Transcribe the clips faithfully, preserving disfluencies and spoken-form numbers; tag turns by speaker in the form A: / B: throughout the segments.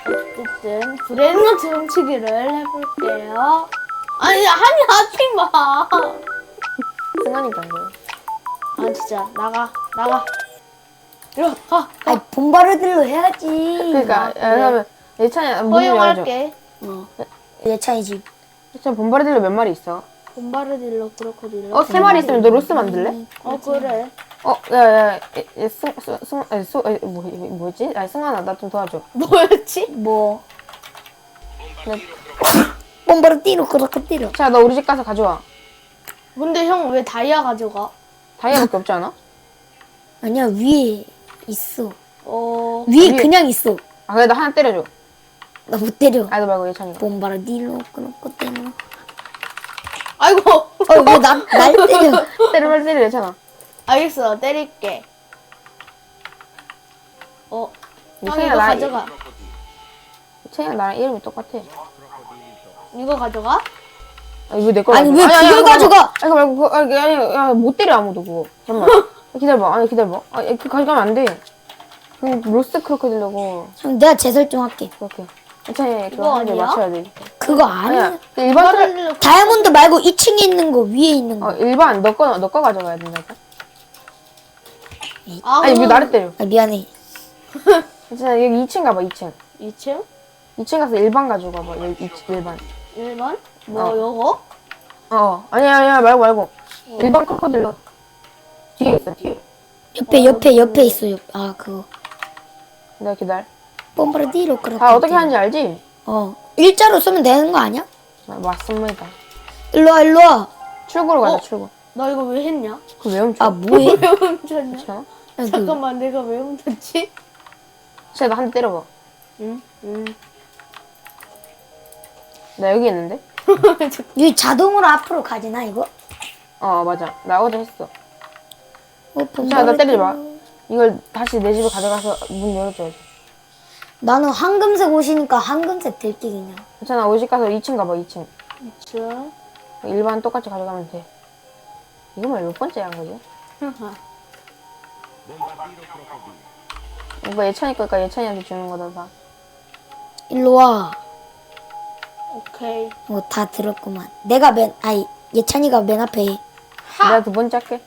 A: 어쨌든 브레인노트 훔치기를 해볼게요. 아니 아니 하지 마.
B: 승환이가 안 돼요.
A: 아 진짜 나가 나가. 이리 가.
C: 아니 본바르딜로 해야지.
B: 그러니까
A: 그래.
B: 그러면 예찬이 문 열어줘.
A: 허용할게. 어.
C: 예찬이 집.
B: 예찬 본바르딜로 몇 마리 있어?
A: 봄바르딜로 크로코딜로.
B: 어, 세 마리 있으면 너 로스 만들래?
A: 어 그래.
B: 어, 야, 야, 야, 승, 승, 승, 아니, 수, 아니, 뭐, 뭐지? 아니, 승환아, 나 좀 도와줘.
A: 뭐였지?
C: 뭐
B: 네.
C: 본바르딜로 크로코딜로.
B: 자, 너 우리 집 가서 가져와.
A: 근데 형 왜 다이아 가져가?
B: 다이아밖에 없지 않아?
C: 아니야 위에 있어.
A: 어.
C: 위에
B: 위에-
C: 그냥 있어.
B: 아, 그래, 너 하나 때려줘.
C: 나 못 때려.
B: 아이도 말고 예찬이가.
C: 본바르딜로 크로코딜로.
A: 아이고.
C: 어왜날 날 때려?
B: 때려, 빨리 때려, 예찬아.
A: 알겠어. 때릴게. 어. 형
B: 예찬이가
A: 이거
B: 나,
A: 가져가.
B: 예찬이가 나랑 이름이 똑같아.
A: 이거 가져가?
B: 아, 이거 내 거.
C: 아니, 왜 그걸 가져가?
B: 아니, 그거 말고, 그거, 아니, 아니, 야, 못 때려, 아무도 그거. 잠깐만. 기다려봐, 아니, 기다려봐. 아, 그 가져가면 안 돼. 그냥 로스 크로커딜려고.
C: 형 내가 재설정할게.
B: 이렇게. 예찬이
A: 이거
B: 그거 한개
A: 아니야?
B: 맞춰야 돼.
C: 그거 아니야.
B: 아니야. 그 일반 털,
A: 봄바르딜로
C: 다이아몬드 말고 이 층에 있는 거 위에 있는 거.
B: 어, 일반, 너 거, 너 거 가져가야 된다니까.
A: 아,
B: 아니, 왜 나를 때려?
C: 아 미안해.
B: 예찬아, 여기 이 층 가봐, 이 층.
A: 이 층?
B: 이 층 가서 일반 가져가봐, 여기 이 층, 일반.
A: 일 번? 뭐
B: 어.
A: 요거?
B: 어, 아니야, 아니야, 말고, 말고. 일반 크로커딜러. 뒤에 있어, 뒤에.
C: 옆에 옆에 옆에 있어. 옆. 아 그거.
B: 내가 기다려.
C: 본바르딜로 크로코딜로.
B: 다 어떻게 하는지 알지?
C: 어 일자로 쓰면 되는 거 아니야?
B: 아, 맞습니다.
C: 일로 와 일로 와.
B: 출구로 가자,
A: 어?
B: 출구.
A: 나 이거 왜 했냐?
B: 그거 왜 훔쳐?
C: 아 뭐해?
A: 왜 훔쳤냐?
B: 그렇지 않아?
C: 야, 그,
A: 잠깐만 내가 왜 훔쳤지?
B: 진짜 나 한 대 때려봐.
A: 응? 응.
B: 나 여기 있는데?
C: 이 자동으로 앞으로 가지나 이거?
B: 어, 맞아. 나 어제 했어.
C: 어,
B: 자, 나 때리지 마. 이걸 다시 내 집에 가져가서 문 열어줘야지.
C: 나는 황금색 옷이니까 황금색 들기 그냥.
B: 괜찮아, 우리 집 가서 이 층 가봐, 이 층.
A: 이 층.
B: 일반 똑같이 가져가면 돼. 이거만 몇 번째 한 거지? 이거 예찬이 거니까 예찬이한테 주는 거다, 다.
C: 일로 와.
A: 오케이.
C: 어, 다 들었구만. 내가 맨, 아니, 예찬이가 맨 앞에 해.
B: 내가 두 번째 할게.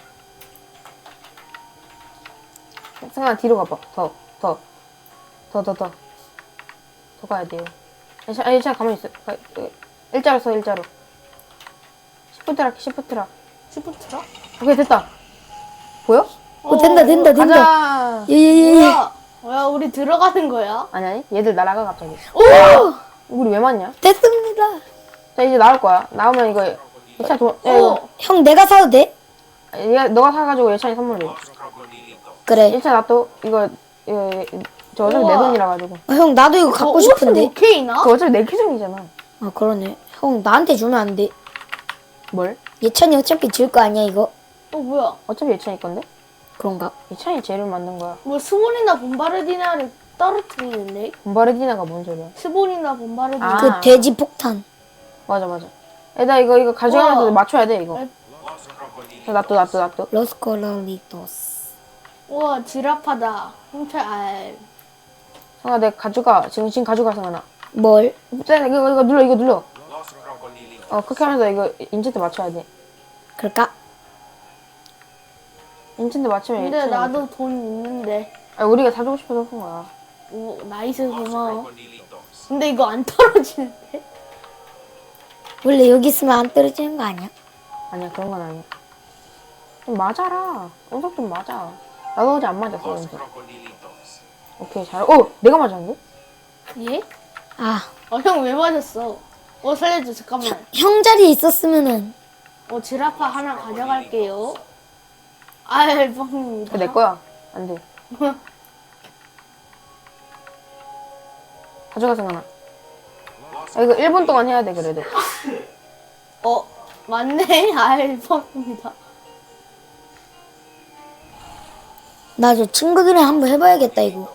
B: 승아 뒤로 가봐. 더, 더, 더, 더, 더. 더 가야 돼요. 예찬, 아, 예찬 가만히 있어. 가, 어, 일자로 서, 일자로. 시프트라 할게, 시프트라.
A: 시프트라?
B: 오케이, 됐다. 보여?
C: 어, 된다, 된다, 된다.
B: 가자.
C: 예, 예, 예. 예.
A: 뭐야? 뭐야 우리 들어가는 거야?
B: 아니, 아니. 얘들 날아가, 갑자기.
A: 오!
B: 우리 왜 맞냐?
C: 됐습니다.
B: 자, 이제 나올 거야. 나오면 이거, 예찬 도, 야, 이거.
A: 어.
C: 형, 내가 사도 돼?
B: 얘가, 너가 사가지고 예찬이 선물해.
C: 그래.
B: 예찬 놔둬. 이거, 이거, 저 어차피 내
A: 우와.
B: 돈이라 가지고.
C: 어, 형, 나도 이거 갖고
A: 어,
C: 싶은데.
A: 오케이나?
B: 그거 어차피 내 계정이잖아.
C: 아, 그러네. 형, 나한테 주면 안 돼.
B: 뭘?
C: 예찬이 어차피 질 거 아니야, 이거?
A: 어 뭐야?
B: 어차피 예찬이 건데?
C: 그런가?
B: 예찬이 재료 만든 거야.
A: 뭐 스본이나 봄바르디나를 떨어뜨리는데?
B: 봄바르디나가 뭔 소리야?
A: 스본이나 봄바르디나.
B: 아.
C: 그 돼지 폭탄.
B: 맞아, 맞아. 애다 이거, 이거 가져가면서
A: 우와.
B: 맞춰야 돼, 이거.
A: 에?
B: 자, 놔둬, 놔둬, 놔둬.
C: 로스콜로리토스.
A: 우와 지라파다. 훔쳐 알.
B: 성아, 내가 가져가. 지금, 지금 가져가, 성아나.
C: 뭘?
B: 자, 이거, 이거 눌러, 이거 눌러. 어, 그렇게 하면서 이거 인챈트 맞춰야 돼.
C: 그럴까?
B: 인챈트 맞추면
A: 근데
B: 예찬이
A: 나도 돈 있는데.
B: 아, 우리가 사주고 싶어서 산 거야.
A: 오 나이스 고마워. 근데 이거 안 떨어지는데?
C: 원래 여기 있으면 안 떨어지는 거 아니야?
B: 아니야, 그런 건 아니야. 좀 맞아라. 운석 좀 맞아. 나도 어제 안 맞았어, 운석. 오케이, 잘. 어, 내가 맞았는데?
A: 예?
C: 아,
A: 어 형 왜 맞았어? 어 살려줘 잠깐만.
C: 형 자리에 있었으면은.
A: 어 지라파 하나 가져갈게요. 아이 뻥입니다.
B: 그거 내 거야. 안 돼. 가져가, 성아나. 아, 이거 일 분 동안 해야 돼, 그래도.
A: 어 맞네. 아이 뻥입니다.
C: 나 저 친구들이랑 한번 해봐야겠다, 이거.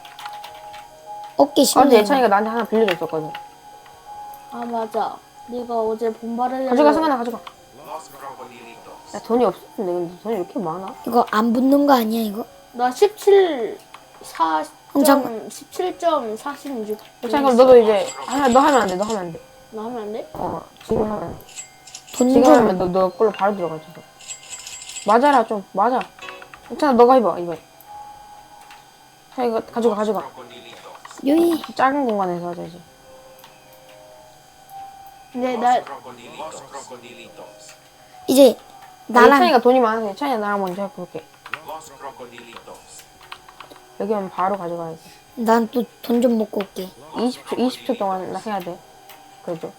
C: 어깨
B: 어제
C: 심네.
B: 예찬이가 나한테 하나 빌려줬었거든.
A: 아 맞아. 네가 어제 봄바르디.
B: 가져가, 성아나, 가져가. 야, 돈이 없었는데, 근데 돈이 왜 이렇게 많아?
C: 이거 안 붙는 거 아니야, 이거?
A: 나 십칠, 사,
C: 형, 잠깐.
A: 십칠 점 사십육.
B: 예찬이 그럼 너도 이제 아, 너 하면 안 돼. 너 하면 안 돼.
A: 나 하면 안 돼?
B: 어 지금 하면 안 돼.
C: 돈
B: 지금
C: 좀.
B: 하면 너 너 걸로 바로 들어가지. 너. 맞아라 좀 맞아. 괜찮아 너가 해봐 이번에. 자 이거 가져가 가져가.
C: 요이.
B: 작은 공간에서 하자 이제.
A: 근데 나
C: 이제 나랑
B: 예찬이가 돈이 많아서 예찬이가 나랑 먼저 해볼게. 여기 오면 바로 가져가야지.
C: 난 또 돈 좀 먹고 올게.
B: 이십 초 이십 초 동안 나 해야 돼. 그래도.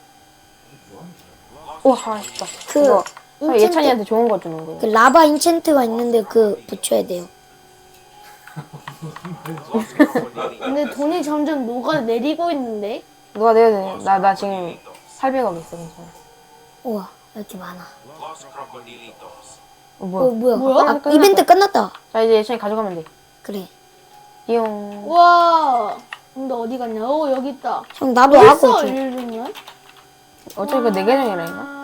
B: 오 잘했다.
C: 그
B: 그거
C: 인챈트-
B: 예찬이한테 좋은 거 주는 거야.
C: 그 라바 인챈트가 있는데 그 붙여야 돼요.
A: 근데 돈이 점점 녹아내리고 있는데.
B: 누가 내야 돼? 나 나 지금 팔백억 있어 괜찮아.
C: 우와, 왜 이렇게 많아?
B: 어
C: 어,
B: 뭐야?
C: 뭐야?
A: 뭐야?
C: 아,
B: 끝났다.
C: 이벤트 끝났다.
B: 자 이제 예찬이 가져가면 돼.
C: 그래.
B: 띠용.
A: 와. 근데 어디 갔냐? 어 여기 있다.
C: 형, 나도
A: 벌써
C: 하고 줘.
A: 일주년?
B: 어차피 그내 계정이라니까.